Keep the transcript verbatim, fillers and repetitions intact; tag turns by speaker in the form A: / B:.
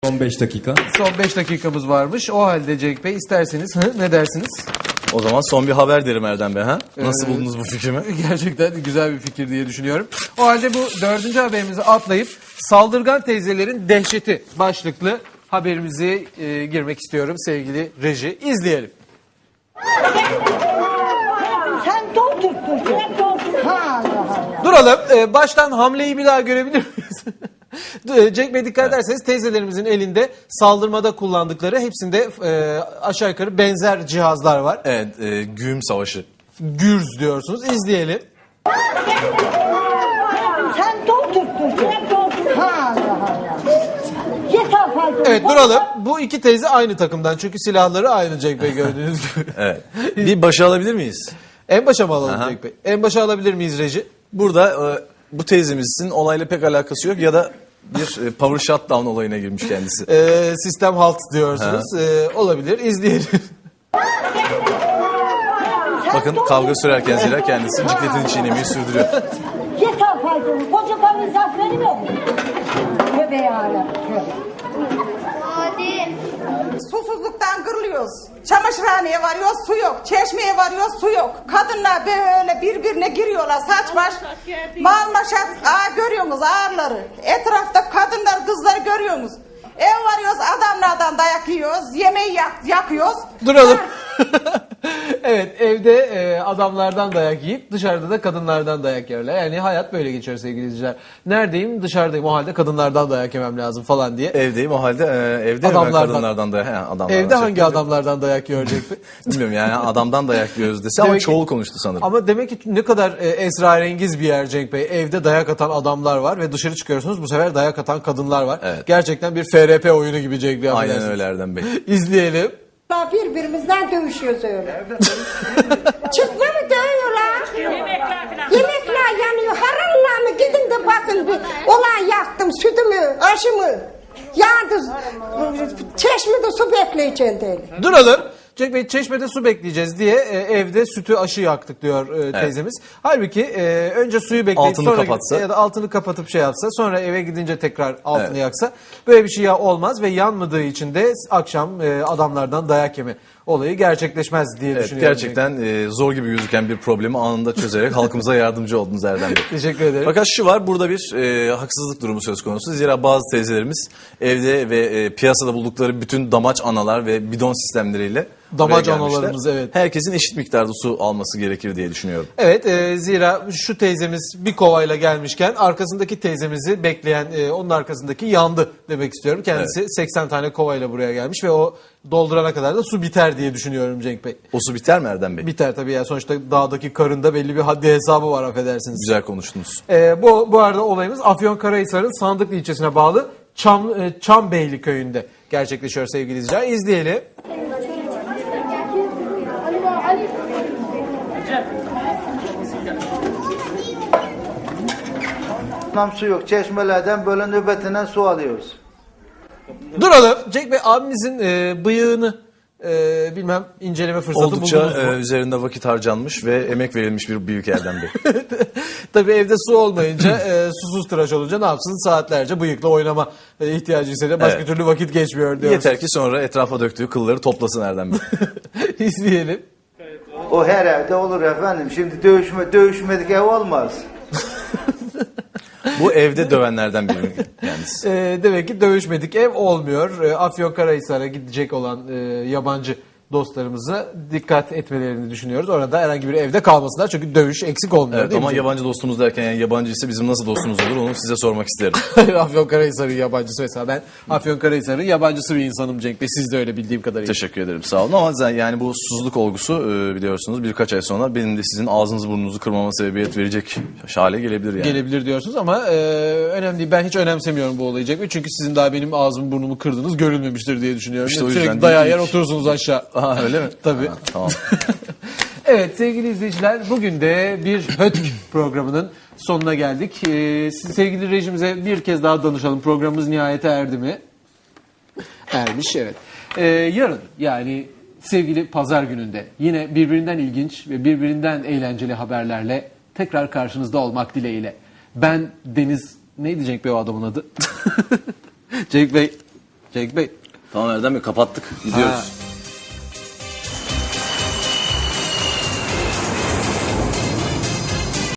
A: Son beş dakika.
B: Son beş dakikamız varmış. O halde Cenk Bey isterseniz hı, ne dersiniz?
C: O zaman son bir haber derim Erdem Bey. Ha? Nasıl
B: Ee,
C: buldunuz bu fikrimi?
B: Gerçekten güzel bir fikir diye düşünüyorum. O halde bu dördüncü haberimizi atlayıp saldırgan teyzelerin dehşeti başlıklı haberimizi e, girmek istiyorum sevgili reji. İzleyelim.
D: Sen doldurdun. Sen doldurdun. Ha Allah Allah.
B: Duralım. Ee, baştan hamleyi bir daha görebilir miyiz? Cenk Bey dikkat ederseniz teyzelerimizin elinde saldırmada kullandıkları hepsinde e, aşağı yukarı benzer cihazlar var.
C: Evet, e, güğüm savaşı.
B: Gürz diyorsunuz. İzleyelim.
D: Sen doldurdun. Sen doldurdun. Ha Allah Allah. Yeter fazla.
B: Evet duralım. Bu iki teyze aynı takımdan çünkü silahları aynı Cenk Bey gördüğünüz gibi.
C: Evet. Bir başa alabilir miyiz?
B: En başa mı alalım
C: Aha.
B: Cenk Bey? En başa alabilir miyiz reji?
C: Burada e, bu teyzemizin olayla pek alakası yok ya da bir e, power shutdown olayına girmiş kendisi.
B: Ee, sistem halt diyorsunuz. Ee, olabilir. İzleyelim.
C: Bakın kavga sürerken zira kendisi cikletini çiğnemeyi sürdürüyor.
D: Yeter fazla. Koca karın zaferini mi? Tövbe yarabbim.
E: Susuzluktan kırılıyoruz. Çamaşırhaneye varıyoruz, su yok. Çeşmeye varıyoruz, su yok. Kadınlar böyle birbirine giriyorlar saç baş. Mal maşat, aa görüyorsunuz ağırları. Etrafta kadınlar, kızları görüyorsunuz. Ev varıyoruz, adamlardan dayak yiyoruz. Yemeği yak, yakıyoruz.
B: Duralım. Evet evde e, adamlardan dayak yiyip dışarıda da kadınlardan dayak yerler. Yani hayat böyle geçiyor sevgili izleyiciler. Neredeyim? Dışarıdayım. O halde kadınlardan dayak yemem lazım falan diye.
C: Evdeyim o halde e, evde mi ben
B: Adamlardan.
C: kadınlardan da he, adamlardan
B: Evde
C: çok
B: hangi
C: güzel.
B: adamlardan dayak yiyor Cenk Bey?
C: Bilmiyorum yani adamdan dayak yiyoruz dese ama
B: Demek ki-
C: çoğul konuştu sanırım.
B: Ama demek ki ne kadar e, esrarengiz bir yer Cenk Bey. Evde dayak atan adamlar var ve dışarı çıkıyorsunuz bu sefer dayak atan kadınlar var.
C: Evet.
B: Gerçekten bir F R P oyunu gibi Cenk Bey.
C: Aynen
B: affedersiniz.
C: öyle Erdem Bey.
B: İzleyelim.
D: Birbirimizden dövüşüyoruz öyle. Çıkma mı dövüyorlar? Yemekler yanıyor. Haralla mı? Gidin de bakın bir. Olay yaktım. Sütümü, aşımı. Yandı. Çeşmede su bekleyeceğim değil.
B: Duralım. Cenk Bey çeşmede su bekleyeceğiz diye e, evde sütü aşı yaktık diyor e, teyzemiz. Halbuki e, önce suyu bekleyip
C: Altını
B: sonra
C: kapatsa.
B: ya da altını kapatıp şey yapsa sonra eve gidince tekrar altını
C: Evet.
B: yaksa böyle bir şey ya olmaz ve yanmadığı için de akşam e, adamlardan dayak yeme olayı gerçekleşmez diye
C: Evet,
B: düşünüyorum.
C: gerçekten e, zor gibi gözüken bir problemi anında çözerek halkımıza yardımcı oldunuz Erdem Bey.
B: Teşekkür ederim.
C: Fakat şu var, burada bir e, haksızlık durumu söz konusu. Zira bazı teyzelerimiz evde ve e, piyasada buldukları bütün damaç analar ve bidon sistemleriyle
B: Damaç
C: buraya gelmişler.
B: analarımız, evet.
C: Herkesin eşit miktarda su alması gerekir diye düşünüyorum.
B: Evet e, zira şu teyzemiz bir kovayla gelmişken arkasındaki teyzemizi bekleyen e, onun arkasındaki yandı demek istiyorum. Kendisi seksen tane kovayla buraya gelmiş ve o doldurana kadar da su biter diye düşünüyorum Cenk Bey.
C: O su biter mi Erdem Bey?
B: Biter tabii ya sonuçta dağdaki karında belli bir haddi hesabı var affedersiniz.
C: Güzel konuştunuz.
B: E, bu, bu arada olayımız Afyonkarahisar'ın Sandıklı ilçesine bağlı Çam, e, Çambeyli köyünde gerçekleşiyor sevgili izleyiciler. İzleyelim.
F: Nam su yok. Çeşmelerden böyle nöbetinden su alıyoruz.
B: Duralım. Cenk Bey abimizin e, bıyığını e, bilmem inceleme fırsatı
C: Oldukça
B: buldunuz mu?
C: e, üzerinde vakit harcanmış ve emek verilmiş bir büyük Erdem Bey.
B: Tabii evde su olmayınca, e, susuz tıraş olunca ne yapsın? Saatlerce bıyıkla oynama e, ihtiyacı hissediyor. Başka
C: Evet.
B: türlü vakit geçmiyor diyoruz.
C: Yeter ki sonra etrafa döktüğü kılları toplasın Erdem Bey.
B: İzleyelim.
F: O her evde olur efendim. Şimdi dövüşme, dövüşmedik ev olmaz.
C: Bu evde dövenlerden biri kendisi.
B: E, demek ki dövüşmedik ev olmuyor. E, Afyonkarahisar'a gidecek olan e, yabancı dostlarımıza dikkat etmelerini düşünüyoruz. Orada herhangi bir evde kalmasınlar çünkü dövüş eksik olmuyor
C: Evet,
B: değil
C: ama
B: mi?
C: yabancı dostumuz derken yani yabancı ise bizim nasıl dostumuz olur onu size sormak isterim.
B: Afyonkarahisar'ın yabancısı mesela ben Afyonkarahisar'ın yabancısı bir insanım Cenk Bey. Siz de öyle bildiğim kadarıyla.
C: Teşekkür ederim, sağ olun, ama zaten yani bu susuzluk olgusu e, biliyorsunuz birkaç ay sonra benim de sizin ağzınızı burnunuzu kırmama sebebiyet verecek hale gelebilir yani.
B: Gelebilir diyorsunuz ama e, önemli değil. Ben hiç önemsemiyorum bu olayı Cenk Bey. Çünkü sizin daha benim ağzımı burnumu kırdınız görülmemiştir diye düşünüyorum.
C: İşte o yüzden
B: Sürekli
C: değil
B: dayağı
C: mi?
B: yer oturursunuz aşağı.
C: Aha, öyle mi?
B: Tabii.
C: Ha, tamam.
B: Evet sevgili izleyiciler bugün de bir Hötk programının sonuna geldik. Ee, siz sevgili rejimize bir kez daha danışalım. Programımız nihayete erdi mi? Ermiş evet. Ee, yarın yani sevgili pazar gününde yine birbirinden ilginç ve birbirinden eğlenceli haberlerle tekrar karşınızda olmak dileğiyle. Ben Deniz, neydi Cenk Bey o adamın adı? Cenk Bey Cenk Bey.
C: Tamam Erdem Bey kapattık. Gidiyoruz.
B: Ha,